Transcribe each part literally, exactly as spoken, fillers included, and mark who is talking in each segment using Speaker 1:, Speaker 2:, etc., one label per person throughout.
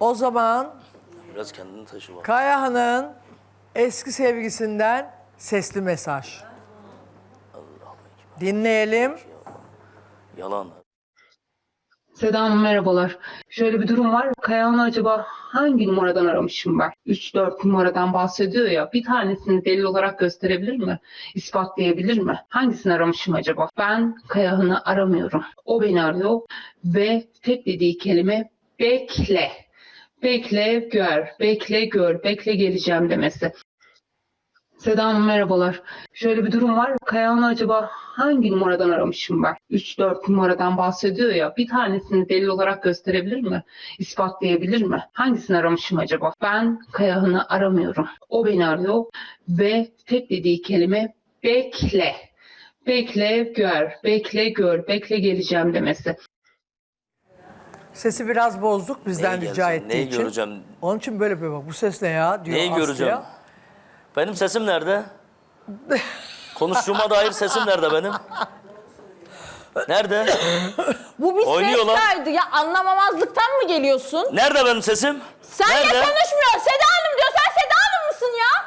Speaker 1: O zaman
Speaker 2: Biraz kendini taşı bak.
Speaker 1: Kayahan'ın eski sevgisinden sesli mesaj. Dinleyelim.
Speaker 2: Yalan.
Speaker 3: Seda Hanım merhabalar. Şöyle bir durum var. Kayahan'ı acaba hangi numaradan aramışım ben? üç dört numaradan bahsediyor ya. Bir tanesini delil olarak gösterebilir mi? İspatlayabilir mi? Hangisini aramışım acaba? Ben Kayahan'ı aramıyorum. O beni arıyor ve tek dediği kelime bekle. Bekle gör, bekle gör, bekle geleceğim demesi. Seda Hanım merhabalar. Şöyle bir durum var. Kayahan'ı acaba hangi numaradan aramışım ben? üç dört numaradan bahsediyor ya. Bir tanesini delil olarak gösterebilir mi? İspatlayabilir mi? Hangisini aramışım acaba? Ben Kayahan'ı aramıyorum. O beni arıyor ve tek dediği kelime bekle. Bekle gör, bekle gör, bekle geleceğim demesi.
Speaker 1: Sesi biraz bozduk bizden
Speaker 2: Neyi
Speaker 1: rica
Speaker 2: gelsin,
Speaker 1: ettiği
Speaker 2: neyi
Speaker 1: için.
Speaker 2: göreceğim?
Speaker 1: Onun için böyle bir bak. Bu ses ne ya diyor
Speaker 2: Neyi
Speaker 1: Aslı'ya.
Speaker 2: göreceğim? Benim sesim nerede? Konuştuğuma dair sesim nerede benim? Nerede?
Speaker 4: Bu bir
Speaker 2: Oynuyor lan.
Speaker 4: ses kaydı. Ya anlamamazlıktan mı geliyorsun?
Speaker 2: Nerede benim sesim?
Speaker 4: Senle
Speaker 2: Nerede?
Speaker 4: konuşmuyor. Seda Hanım diyor. Sen Seda Hanım mısın ya?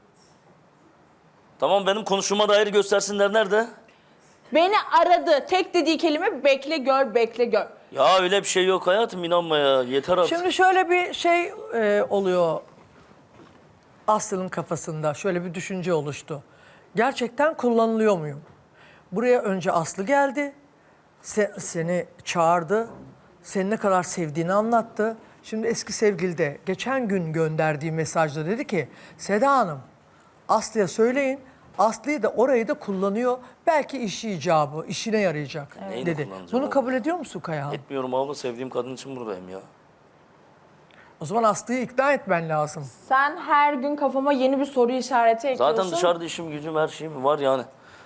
Speaker 2: Tamam, benim konuştuğuma dair göstersinler, nerede?
Speaker 4: Beni aradı. Tek dediği kelime bekle gör, bekle gör.
Speaker 2: Ya öyle bir şey yok hayatım, inanma ya, yeter artık.
Speaker 1: Şimdi şöyle bir şey e, oluyor Aslı'nın kafasında. Şöyle bir düşünce oluştu. Gerçekten kullanılıyor muyum? Buraya önce Aslı geldi. Se- seni çağırdı. Seni ne kadar sevdiğini anlattı. Şimdi eski sevgili de geçen gün gönderdiği mesajda dedi ki Seda Hanım Aslı'ya söyleyin. Aslı'yı da orayı da kullanıyor. Belki işi icabı, işine yarayacak
Speaker 2: Neyini
Speaker 1: dedi.
Speaker 2: kullanacağım
Speaker 1: Bunu
Speaker 2: oğlum?
Speaker 1: kabul ediyor musun Kayahan?
Speaker 2: Etmiyorum abla, sevdiğim kadın için buradayım ya.
Speaker 1: O zaman Aslı'yı ikna etmen lazım.
Speaker 4: Sen her gün kafama yeni bir soru işareti ekliyorsun.
Speaker 2: Zaten dışarıda işim gücüm her şeyim var yani.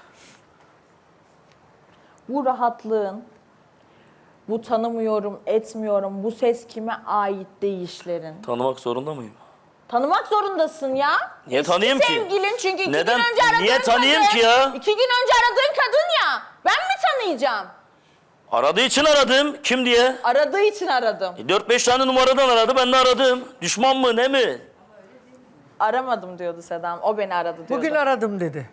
Speaker 4: Bu rahatlığın, bu tanımıyorum, etmiyorum, bu ses kime ait deyişlerin.
Speaker 2: Tanımak zorunda mıyım?
Speaker 4: Tanımak zorundasın ya.
Speaker 2: Niye
Speaker 4: Eski
Speaker 2: tanıyayım ki?
Speaker 4: sevgilin çünkü iki
Speaker 2: Neden?
Speaker 4: gün önce aradığın
Speaker 2: Niye tanıyayım
Speaker 4: kadın.
Speaker 2: ki ya?
Speaker 4: İki gün önce aradığın kadın ya. Ben mi tanıyacağım?
Speaker 2: Aradığı için aradım. Kim diye?
Speaker 4: Aradığı için aradım.
Speaker 2: E, dört beş tane numaradan aradı, ben de aradım. Düşman mı, ne mi?
Speaker 4: Aramadım diyordu Sedam. O beni aradı diyordu.
Speaker 1: Bugün aradım dedi.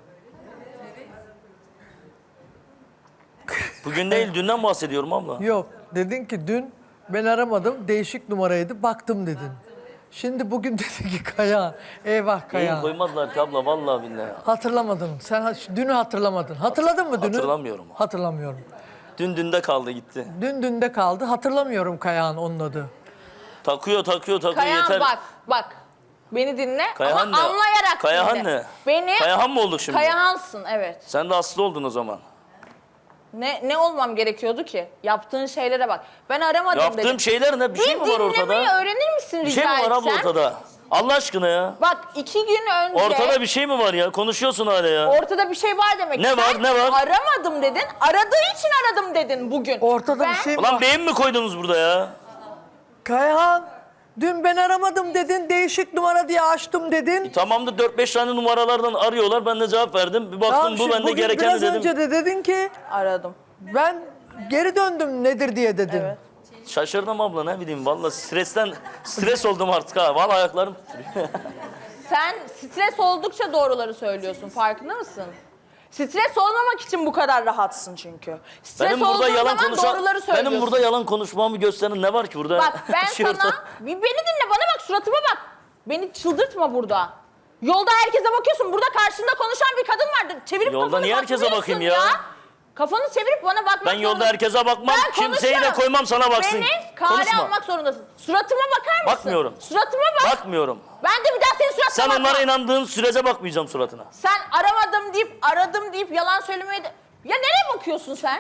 Speaker 2: Bugün değil, dünden bahsediyorum abla.
Speaker 1: Yok, dedin ki dün ben aramadım, değişik numaraydı, baktım dedin. Şimdi bugün dedi ki Kaya, eyvah
Speaker 2: Neyin
Speaker 1: Kaya.
Speaker 2: koymazlar ki abla, vallahi billahi.
Speaker 1: Hatırlamadın, sen ha- dünü hatırlamadın. Hatırladın mı dünü?
Speaker 2: Hatırlamıyorum.
Speaker 1: Hatırlamıyorum.
Speaker 2: Dün dünde kaldı gitti.
Speaker 1: Dün dünde kaldı, hatırlamıyorum Kaya'nın onun adı.
Speaker 2: Takıyor takıyor takıyor
Speaker 4: Kayahan
Speaker 2: yeter.
Speaker 4: bak bak. Beni dinle
Speaker 2: Kayahan
Speaker 4: ama
Speaker 2: ne?
Speaker 4: anlayarak
Speaker 2: Kayahan
Speaker 4: dinle.
Speaker 2: ne?
Speaker 4: Beni
Speaker 2: Kayahan mı olduk şimdi?
Speaker 4: Kayahansın evet.
Speaker 2: Sen de Aslı oldun o zaman.
Speaker 4: Ne ne olmam gerekiyordu ki? Yaptığın şeylere bak. Ben aramadım
Speaker 2: Yaptığım
Speaker 4: dedim.
Speaker 2: şeyler ne? Bir şey mi var ortada?
Speaker 4: dinlemeyi öğrenir misin
Speaker 2: Bir
Speaker 4: rica
Speaker 2: şey mi var abla
Speaker 4: etsem?
Speaker 2: ortada? Allah aşkına ya.
Speaker 4: Bak iki gün önce...
Speaker 2: Ortada bir şey mi var ya? Konuşuyorsun hala ya.
Speaker 4: Ortada bir şey var demek.
Speaker 2: Ne
Speaker 4: Sen
Speaker 2: var, ne var?
Speaker 4: Aramadım dedin. Aradığı için aradım dedin bugün.
Speaker 1: Ortada
Speaker 4: Ben-
Speaker 1: bir şey mi
Speaker 2: Ulan
Speaker 1: var?
Speaker 2: beyin mi koydunuz burada ya?
Speaker 1: Kayahan, dün ben aramadım dedin, değişik numara diye açtım dedin.
Speaker 2: Tamam da dört beş tane numaralardan arıyorlar. Ben de cevap verdim. Bir baktım
Speaker 1: Tamam,
Speaker 2: bu
Speaker 1: şimdi
Speaker 2: bende
Speaker 1: bugün
Speaker 2: gerekeni
Speaker 1: biraz
Speaker 2: dedim.
Speaker 1: önce de dedin ki
Speaker 4: Aradım.
Speaker 1: ben geri döndüm nedir diye dedin.
Speaker 4: Evet.
Speaker 2: Şaşırdım abla, ne bileyim. Vallahi stresten stres oldum artık ha. Vallahi ayaklarım titriyor.
Speaker 4: Sen stres oldukça doğruları söylüyorsun. Farkında mısın? Stres olmamak için bu kadar rahatsın çünkü. Stres
Speaker 2: Benim burada
Speaker 4: olduğun
Speaker 2: yalan
Speaker 4: zaman
Speaker 2: konuşan,
Speaker 4: doğruları söylüyorsun.
Speaker 2: benim burada yalan konuşmamı gösteren ne var ki burada?
Speaker 4: Bak ben
Speaker 2: Şey
Speaker 4: sana...
Speaker 2: orta-
Speaker 4: Bir beni dinle, bana bak, suratıma bak. Beni çıldırtma burada. Yolda herkese bakıyorsun. Burada karşında konuşan bir kadın vardır. Çevirip
Speaker 2: Yolda
Speaker 4: kafanı
Speaker 2: niye herkese
Speaker 4: bakmıyorsun
Speaker 2: bakayım ya?
Speaker 4: Kafanı çevirip bana bakmak
Speaker 2: Ben yolda
Speaker 4: zorundasın.
Speaker 2: herkese bakmam.
Speaker 4: Ben
Speaker 2: Kimseyi de
Speaker 4: konuşmam.
Speaker 2: koymam sana baksın.
Speaker 4: Beni kale
Speaker 2: Konuşma.
Speaker 4: almak zorundasın. Suratıma bakar mısın?
Speaker 2: Bakmıyorum.
Speaker 4: Suratıma bak.
Speaker 2: Bakmıyorum.
Speaker 4: Ben de bir daha senin suratına
Speaker 2: Sen
Speaker 4: bakmam.
Speaker 2: onlara inandığın sürece bakmayacağım suratına.
Speaker 4: Sen aramadım deyip, aradım deyip yalan söylemeye de... Ya nereye bakıyorsun sen?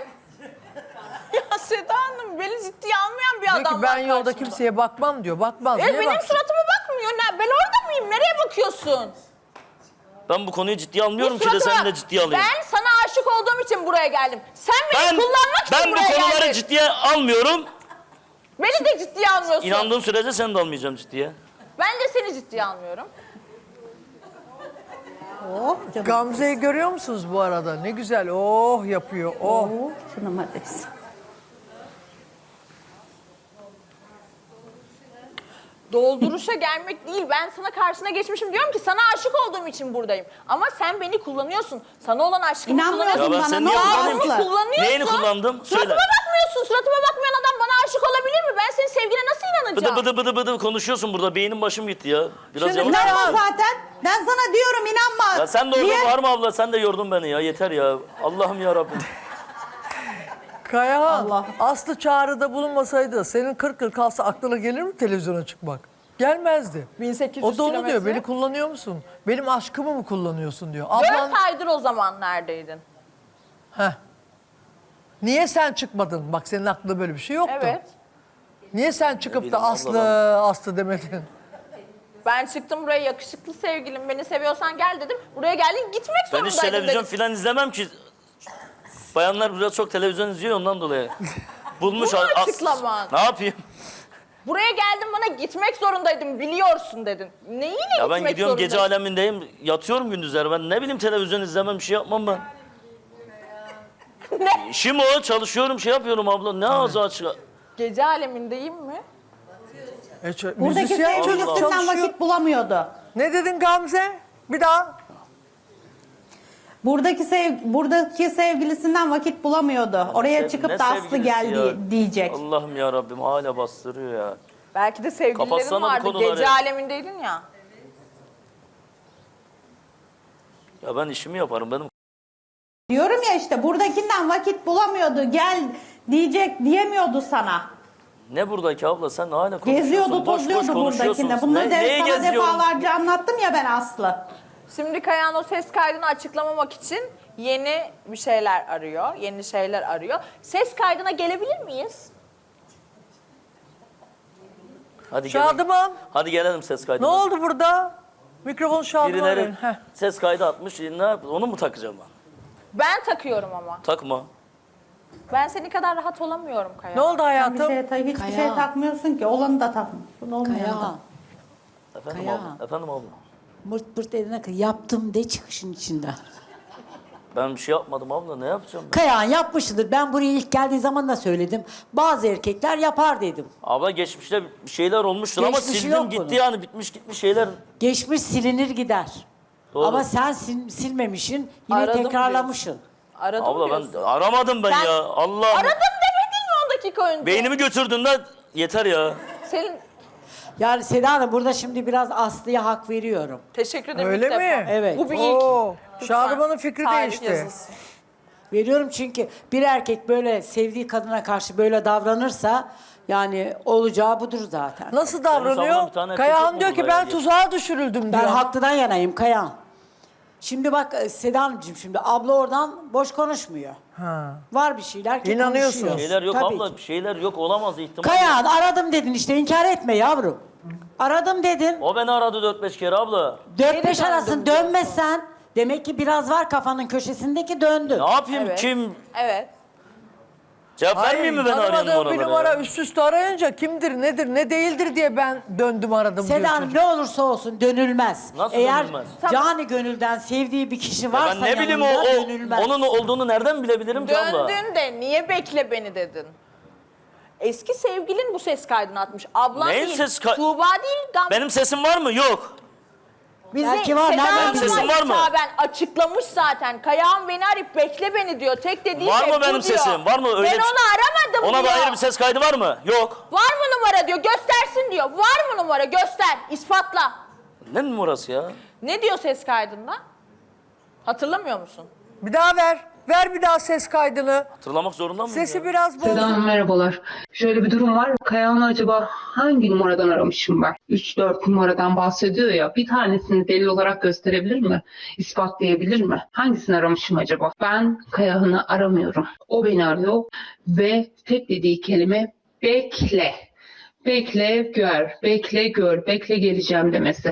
Speaker 4: Ya Seda Hanım beni ciddiye almayan bir
Speaker 1: Diyor
Speaker 4: adam
Speaker 1: ki ben
Speaker 4: var
Speaker 1: yolda
Speaker 4: karşımda.
Speaker 1: kimseye bakmam diyor. Bakmaz.
Speaker 4: E,
Speaker 1: Niye
Speaker 4: benim
Speaker 1: baksın?
Speaker 4: suratıma bakmıyor. Ne? Ben orada mıyım? Nereye bakıyorsun?
Speaker 2: Ben bu konuyu ciddiye almıyorum
Speaker 4: Bir
Speaker 2: ki de
Speaker 4: suratıma
Speaker 2: seni de
Speaker 4: bak.
Speaker 2: ciddiye alayım.
Speaker 4: Ben sana aşık olduğum için buraya geldim. Sen beni
Speaker 2: Ben,
Speaker 4: kullanmak için
Speaker 2: ben bu
Speaker 4: buraya
Speaker 2: konuları
Speaker 4: geldin.
Speaker 2: ciddiye almıyorum.
Speaker 4: Beni de ciddiye almıyorsun.
Speaker 2: İnandığın sürece seni de almayacağım ciddiye.
Speaker 4: Ben de seni ciddiye almıyorum.
Speaker 5: Oh canım.
Speaker 1: Gamze'yi görüyor musunuz bu arada? Ne güzel oh yapıyor oh.
Speaker 5: Oh canım hadi.
Speaker 4: Dolduruşa gelmek değil. Ben sana karşına geçmişim diyorum ki sana aşık olduğum için buradayım. Ama sen beni kullanıyorsun. Sana olan aşkımı
Speaker 5: İnanmıyorsun
Speaker 4: kullanıyorsun.
Speaker 2: Ya ben
Speaker 5: bana.
Speaker 2: seni
Speaker 5: Ne
Speaker 2: niye
Speaker 5: oldu
Speaker 2: kullanayım ki?
Speaker 5: Aslı?
Speaker 4: Kullanıyorsun.
Speaker 2: Neyini kullandım? Söyle.
Speaker 4: Suratıma bakmıyorsun. Suratıma bakmayan adam bana aşık olabilir mi? Ben senin sevgine nasıl
Speaker 2: Bıdı
Speaker 4: inanacağım?
Speaker 2: bıdı bıdı bıdı konuşuyorsun burada. Beynim başım gitti ya. Biraz
Speaker 1: Şimdi
Speaker 2: yavaş.
Speaker 1: ben-
Speaker 5: İnanma zaten. Ben sana diyorum inanma.
Speaker 2: Ya sen de orada
Speaker 5: Niye?
Speaker 2: var mı abla? Sen de yordun beni ya. Yeter ya. Allah'ım ya Rabbim.
Speaker 1: Kayahan,
Speaker 5: Allah.
Speaker 1: Aslı çağrıda bulunmasaydı senin kırk yıl kalsa aklına gelir mi televizyona çıkmak? Gelmezdi.
Speaker 4: bin sekiz yüz
Speaker 1: O da onu
Speaker 4: kilometre.
Speaker 1: diyor, beni kullanıyor musun? Benim aşkımı mı kullanıyorsun diyor. Ablan,
Speaker 4: Dört aydır o zaman neredeydin?
Speaker 1: heh. Niye sen çıkmadın? Bak senin aklında böyle bir şey yoktu.
Speaker 4: Evet.
Speaker 1: Niye sen çıkıp
Speaker 2: bileyim
Speaker 1: da
Speaker 2: abla
Speaker 1: Aslı,
Speaker 2: ben.
Speaker 1: Aslı demedin?
Speaker 4: Ben çıktım buraya yakışıklı sevgilim beni seviyorsan gel dedim. Buraya geldin gitmek
Speaker 2: Ben
Speaker 4: zorundaydın
Speaker 2: hiç televizyon
Speaker 4: dedim.
Speaker 2: filan izlemem ki. Bayanlar biraz çok televizyon izliyor ondan dolayı. Bulmuş
Speaker 4: Bu mu
Speaker 2: as-
Speaker 4: açıklaman?
Speaker 2: Ne yapayım?
Speaker 4: Buraya geldin bana gitmek zorundaydım biliyorsun dedin. Neyiyle
Speaker 2: Ya ben
Speaker 4: gitmek
Speaker 2: gidiyorum gece
Speaker 4: zorundaydın?
Speaker 2: alemindeyim. Yatıyorum gündüzler. Ben ne bileyim televizyon izlemem bir şey yapmam ben.
Speaker 4: Ne?
Speaker 2: İşim o. Çalışıyorum şey yapıyorum abla. Ne ağzı açık.
Speaker 4: Gece alemindeyim mi?
Speaker 1: E, ç-
Speaker 5: Buradaki
Speaker 1: müzisyen çocuk
Speaker 5: sevgilisinden
Speaker 1: çalışıyor.
Speaker 5: vakit bulamıyordu.
Speaker 1: Ne dedin Gamze? Bir daha.
Speaker 5: Buradaki sev buradaki sevgilisinden vakit bulamıyordu. Oraya
Speaker 2: Sev-
Speaker 5: çıkıp
Speaker 2: ne
Speaker 5: da Aslı
Speaker 2: sevgilisi
Speaker 5: geldi
Speaker 2: ya?
Speaker 5: diyecek.
Speaker 2: Allah'ım ya Rabbim hala bastırıyor ya.
Speaker 4: Belki de sevgililerin
Speaker 2: Kapatsana bu
Speaker 4: vardı.
Speaker 2: konuları.
Speaker 4: Gece alemindeydin ya.
Speaker 2: Ya ben işimi yaparım benim.
Speaker 5: Diyorum ya işte buradakinden vakit bulamıyordu. Gel diyecek diyemiyordu sana.
Speaker 2: Ne buradaki abla sen hala konuşuyorsun.
Speaker 5: Geziyordu,
Speaker 2: boş boş
Speaker 5: tozuyordu
Speaker 2: konuşuyorsun.
Speaker 5: buradakinde. Bunları
Speaker 2: Ne-
Speaker 5: de
Speaker 2: neye
Speaker 5: sana
Speaker 2: geziyorum?
Speaker 5: defalarca anlattım ya ben Aslı.
Speaker 4: Şimdi Kayahan o ses kaydını açıklamamak için yeni bir şeyler arıyor. Yeni şeyler arıyor. Ses kaydına gelebilir miyiz?
Speaker 2: Hadi gelelim.
Speaker 1: Şadıman,
Speaker 2: Hadi gelelim ses
Speaker 1: ne
Speaker 2: kaydına.
Speaker 1: oldu burada? Mikrofon Şadıman'a
Speaker 2: Birileri
Speaker 1: verin. Heh.
Speaker 2: ses kaydı atmış. Ne yap? Onu mu takacağım ben?
Speaker 4: Ben takıyorum ama.
Speaker 2: Takma.
Speaker 4: Ben senin kadar rahat olamıyorum Kayahan.
Speaker 1: Ne oldu
Speaker 5: Sen bir
Speaker 1: hayatım?
Speaker 5: şeye, ta- hiçbir
Speaker 6: Kaya.
Speaker 5: şey takmıyorsun ki. Olanı da takmıyorsun. Olmayanı da.
Speaker 6: Kaya,
Speaker 2: Efendim
Speaker 6: Kaya.
Speaker 2: abla. Efendim abla.
Speaker 6: mırt pırt eline kay- yaptım de çıkışın içinden.
Speaker 2: Ben bir şey yapmadım abla. Ne yapacağım ben?
Speaker 6: Kayahan yapmıştır. Ben buraya ilk geldiği zaman da söyledim. Bazı erkekler yapar dedim.
Speaker 2: Abla geçmişte bir şeyler olmuştur ama
Speaker 6: Geçmişi
Speaker 2: sildim
Speaker 6: yok
Speaker 2: gitti
Speaker 6: bunun.
Speaker 2: yani. Bitmiş gitmiş şeyler.
Speaker 6: Geçmiş silinir gider.
Speaker 2: Doğru.
Speaker 6: Ama sen sil- silmemişsin, yine
Speaker 4: Aradım
Speaker 6: tekrarlamışsın.
Speaker 4: Aradım
Speaker 2: Abla
Speaker 4: diyorsun.
Speaker 2: ben aramadım ben
Speaker 4: Sen
Speaker 2: ya. Allah.
Speaker 4: Aradım demedin mi on dakika önce?
Speaker 2: Beynimi götürdün de yeter ya.
Speaker 4: Senin
Speaker 6: Yani Seda Hanım burada şimdi biraz Aslı'ya hak veriyorum.
Speaker 4: teşekkür ederim
Speaker 1: Öyle
Speaker 4: ilk defa.
Speaker 1: mi?
Speaker 6: Evet.
Speaker 4: Bu bir ilk.
Speaker 1: Oo,
Speaker 4: Lütfen.
Speaker 1: Şadıman'ın fikri
Speaker 4: Tarih
Speaker 1: değişti.
Speaker 4: yazılsın.
Speaker 6: Veriyorum çünkü bir erkek böyle sevdiği kadına karşı böyle davranırsa yani olacağı budur zaten.
Speaker 1: Nasıl
Speaker 2: savunan
Speaker 1: davranıyor?
Speaker 2: bir tane erkek
Speaker 1: Kayahan
Speaker 2: yok
Speaker 1: diyor
Speaker 2: mu
Speaker 1: ki
Speaker 2: burada
Speaker 1: ben
Speaker 2: ya?
Speaker 1: tuzağa düşürüldüm diyor.
Speaker 6: Ben haklıdan yanayım Kayan. Şimdi bak e, Seda Hanımcığım şimdi abla oradan boş konuşmuyor.
Speaker 1: Ha.
Speaker 6: Var bir şeyler ki
Speaker 1: İnanıyorsun.
Speaker 6: konuşuyor.
Speaker 2: Şeyler yok
Speaker 6: Tabii
Speaker 2: abla.
Speaker 6: ki.
Speaker 2: Bir şeyler yok. Olamaz ihtimal.
Speaker 6: Kayan aradım dedin işte inkar etme yavrum. Aradım dedin.
Speaker 2: O beni aradı dört beş kere abla.
Speaker 6: Dört beş
Speaker 4: döndüm
Speaker 6: arasın
Speaker 4: diyorsun.
Speaker 6: dönmezsen demek ki biraz var kafanın köşesindeki döndü.
Speaker 2: Ne yapayım
Speaker 4: Evet.
Speaker 2: kim?
Speaker 4: Evet.
Speaker 2: Cevap
Speaker 1: Hayır,
Speaker 2: vermeyeyim mi ben arayan
Speaker 1: tanımadığım
Speaker 2: numaraları?
Speaker 1: bir numara
Speaker 2: ya?
Speaker 1: üst üste arayınca kimdir, nedir, ne değildir diye ben döndüm aradım
Speaker 6: Seda
Speaker 1: diyor
Speaker 6: Hanım
Speaker 1: çocuk.
Speaker 6: ne olursa olsun dönülmez.
Speaker 2: Nasıl
Speaker 6: Eğer
Speaker 2: dönülmez?
Speaker 6: cani gönülden sevdiği bir kişi
Speaker 2: Ya
Speaker 6: varsa
Speaker 2: ben ne bileyim o,
Speaker 6: yanında
Speaker 2: o
Speaker 6: dönülmez.
Speaker 2: onun olduğunu nereden bilebilirim ki abla?
Speaker 4: Döndün de niye bekle beni dedin? Eski sevgilin bu ses kaydını atmış. Ablan
Speaker 2: Neyin
Speaker 4: değil,
Speaker 2: ses kay-
Speaker 4: Tuğba değil, Gamze.
Speaker 2: Benim sesim var mı? Yok.
Speaker 4: Bize
Speaker 6: Belki var,
Speaker 4: Seda
Speaker 6: nereden
Speaker 4: Hanım'la
Speaker 2: bileyim? Sesim var mı?
Speaker 4: hitaben açıklamış zaten. Kayahan beni arayıp bekle beni diyor. Tek dediği
Speaker 2: Var
Speaker 4: şey
Speaker 2: mı
Speaker 4: bu
Speaker 2: benim
Speaker 4: diyor.
Speaker 2: sesim? Var mı öyle
Speaker 4: Ben
Speaker 2: bir şey?
Speaker 4: onu aramadım
Speaker 2: Ona
Speaker 4: diyor.
Speaker 2: dair bir ses kaydı var mı? Yok.
Speaker 4: Var mı numara diyor. Göstersin diyor. Var mı numara? Göster. İspatla.
Speaker 2: Ne numarası ya?
Speaker 4: Ne diyor ses kaydında? Hatırlamıyor musun?
Speaker 1: Bir daha ver. Ver bir daha ses kaydını.
Speaker 2: Hatırlamak zorunda mıyım
Speaker 1: Sesi
Speaker 2: ya?
Speaker 1: biraz
Speaker 3: Seda
Speaker 1: bozuk.
Speaker 3: Hanım merhabalar. Şöyle bir durum var. Kayahan'ı acaba hangi numaradan aramışım ben? üç dört numaradan bahsediyor ya. Bir tanesini delil olarak gösterebilir mi? İspatlayabilir mi? Hangisini aramışım acaba? Ben Kayahan'ı aramıyorum. O beni arıyor ve tek dediği kelime bekle. Bekle gör, bekle gör, bekle geleceğim demesi.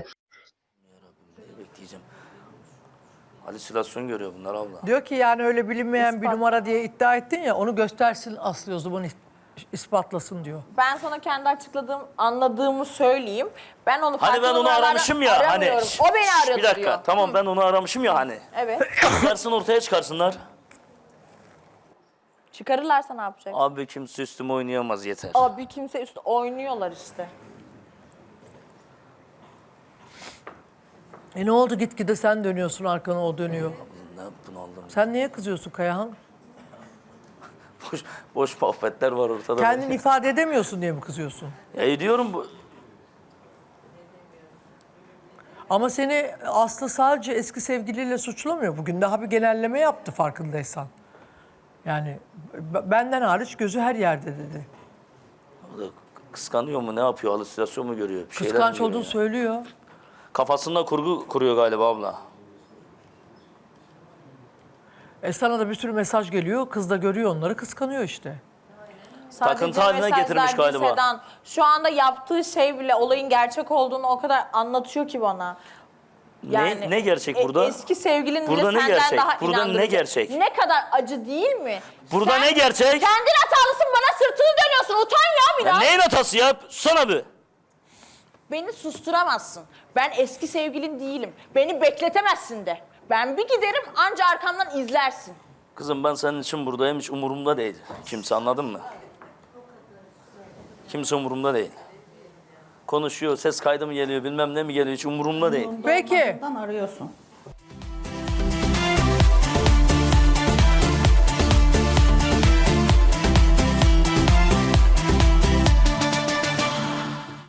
Speaker 2: Bekleyeceğim. Halüsinasyon görüyor bunlar abla.
Speaker 1: Diyor ki yani öyle bilinmeyen bir numara diye iddia ettin ya, onu göstersin Aslı o zaman is- ispatlasın diyor.
Speaker 4: Ben sana kendi açıkladığım, anladığımı söyleyeyim. Ben onu
Speaker 2: Hani
Speaker 4: farklı
Speaker 2: ben onu
Speaker 4: numaralarla
Speaker 2: aramışım ya hani.
Speaker 4: aramıyorum. O beni
Speaker 2: Şşş,
Speaker 4: aradı
Speaker 2: Bir dakika
Speaker 4: diyor.
Speaker 2: tamam ben onu aramışım ya hani.
Speaker 4: Evet.
Speaker 2: Çıkarsın ortaya çıkarsınlar.
Speaker 4: Çıkarırlarsa ne yapacaksın?
Speaker 2: Abi kimse üstüme oynayamaz yeter.
Speaker 4: Abi kimse üstü oynuyorlar işte.
Speaker 1: E ne oldu gitgide sen dönüyorsun arkana o dönüyor.
Speaker 2: Ne bunaldım.
Speaker 1: Sen niye kızıyorsun Kayahan?
Speaker 2: Boş, boş muhabbetler var ortada.
Speaker 1: Kendini ifade edemiyorsun diye mi kızıyorsun?
Speaker 2: Ya ediyorum bu.
Speaker 1: Ama seni Aslı sadece eski sevgiliyle suçlamıyor. Bugün daha bir genelleme yaptı farkındaysan. Yani b- benden hariç gözü her yerde dedi.
Speaker 2: O da kıskanıyor mu, ne yapıyor, halüsinasyon mu görüyor? Bir şeyler mi
Speaker 1: Kıskanç
Speaker 2: görüyor
Speaker 1: olduğunu
Speaker 2: ya?
Speaker 1: söylüyor.
Speaker 2: Kafasında kurgu kuruyor galiba abla.
Speaker 1: E sana da bir sürü mesaj geliyor. Kız da görüyor onları, kıskanıyor işte.
Speaker 4: Sadece
Speaker 2: Takıntı haline
Speaker 4: mesajlar
Speaker 2: getirmiş
Speaker 4: değil
Speaker 2: galiba.
Speaker 4: Sedan. Şu anda yaptığı şey bile olayın gerçek olduğunu o kadar anlatıyor ki bana.
Speaker 2: Ne- ne gerçek
Speaker 4: e-
Speaker 2: burada?
Speaker 4: Eski sevgilin
Speaker 2: Burada
Speaker 4: bile
Speaker 2: ne
Speaker 4: senden
Speaker 2: gerçek?
Speaker 4: daha
Speaker 2: Burada ne
Speaker 4: inandırıcı.
Speaker 2: gerçek?
Speaker 4: Ne kadar acı değil mi?
Speaker 2: Burada ne gerçek?
Speaker 4: Kendin hatalısın, bana sırtını dönüyorsun. Utan ya
Speaker 2: Ya
Speaker 4: biraz.
Speaker 2: neyin hatası ya? Sana bir.
Speaker 4: Beni susturamazsın. Ben eski sevgilin değilim. Beni bekletemezsin de. Ben bir giderim, anca arkamdan izlersin.
Speaker 2: Kızım ben senin için buradayım, hiç umurumda değil. Kimse, anladın mı? Kimse umurumda değil. Konuşuyor, ses kaydı mı geliyor, bilmem ne mi geliyor, hiç umurumda değil.
Speaker 1: Peki.
Speaker 5: Arıyorsun.